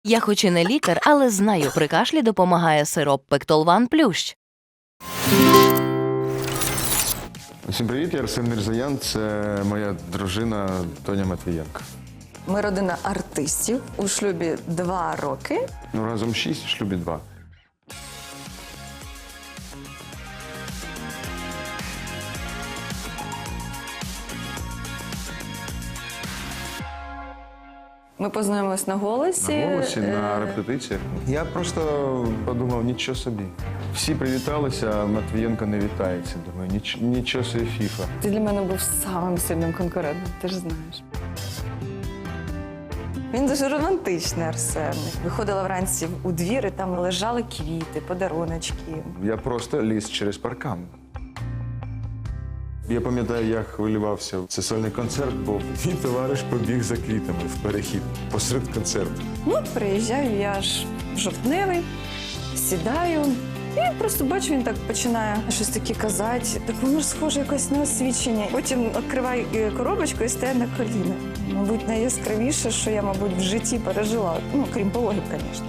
Я хоч і не лікар, але знаю, при кашлі допомагає сироп Пектолван Плющ. Всім привіт, я Арсен Мірзаян, це моя дружина Тоня Матвієнко. Ми родина артистів, у шлюбі 2 роки. Ну, разом 6, в шлюбі 2. Ми познайомились на «Голосі». На голосі, на репетиціях. Я просто подумав, нічого собі. Всі привіталися, а Матвієнко не вітається. Думаю, нічого собі фіфа. Ти для мене був самим сильним конкурентом, ти ж знаєш. Він дуже романтичний, Арсен. Виходила вранці у двір, і там лежали квіти, подаруночки. Я просто ліз через паркан. Я пам'ятаю, я хвилювався. Це сольний концерт був. Мій товариш побіг за квітами в перехід посеред концерту. Ну, приїжджаю, я ж жовтневий, сідаю. І просто бачу, він так починає щось таке казати. Так воно ж схоже якось на освічення. Потім відкриваю коробочку і стає на коліна. Мабуть, найяскравіше, що я, мабуть, в житті пережила. Ну, крім пологів, звісно.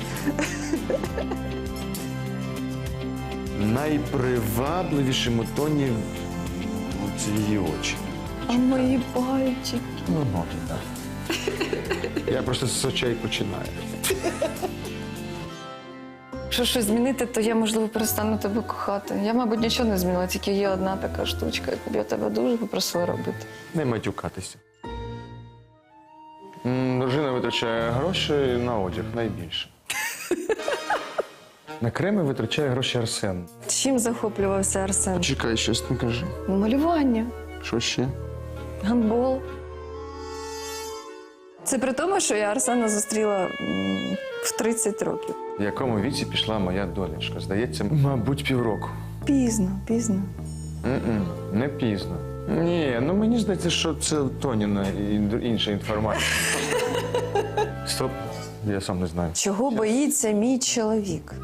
Найпривабливішим у Тоні це її очі. А мої пальчики. Ну, може, так. Я просто з очей починаю. Якщо щось змінити, то я, можливо, перестану тебе кохати. Я, мабуть, нічого не змінила, тільки є одна така штучка, яку б я тебе дуже попросила робити. Не матюкатися. Дружина витрачає гроші на одяг найбільше. На креми витрачає гроші Арсен. Чим захоплювався Арсен? Чекай, щось не кажи. Малювання, Що ще? гандбол. Це при тому, що я Арсена зустріла в 30 років. В якому віці пішла моя донечка? Здається, мабуть, півроку. Пізно, пізно. Не пізно. Ні, ну мені здається, що це Тоніна і інша інформація. Стоп, я сам не знаю. Чого боїться мій чоловік?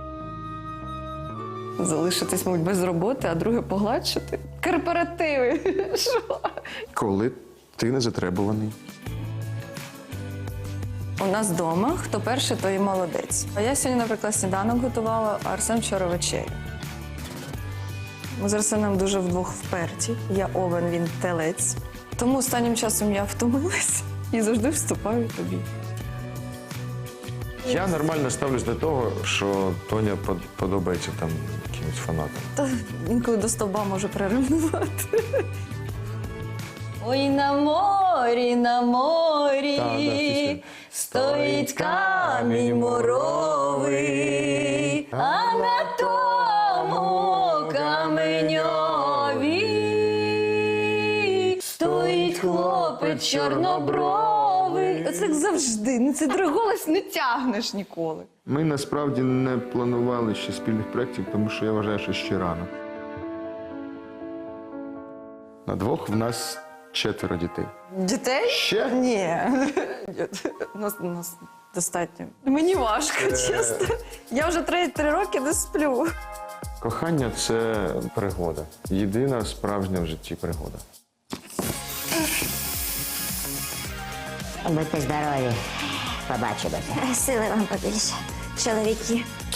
Залишитись, мабуть, без роботи, а друге погладшити? Корпоративи. Що? Коли ти не затребуваний? У нас вдома, хто перший, той і молодець. А я сьогодні, наприклад, сніданок готувала, а Арсен вчора вечерю. Ми з Арсеном дуже вдвох вперті. Я овен, він телець. Тому останнім часом я втомилась і завжди вступаю тобі. Я нормально ставлюсь до того, що Тоня подобається там якимось фанатам. Та інколи до стовба може приревнувати. Ой, на морі, стоїть камінь муровий, а на тому каменьові стоїть хлопець чорнобровий. Оце як завжди, ну цей голос не тягнеш ніколи. Ми насправді не планували ще спільних проєктів, тому що я вважаю, що ще рано. На двох в нас 4 дітей. Дітей? Ще? Ні. Нас достатньо. Мені важко, чесно. Я вже 3 роки не сплю. Кохання – це пригода. Єдина справжня в житті пригода. Будьте здорові. Побачимося. Сили вам побільше, чоловіки.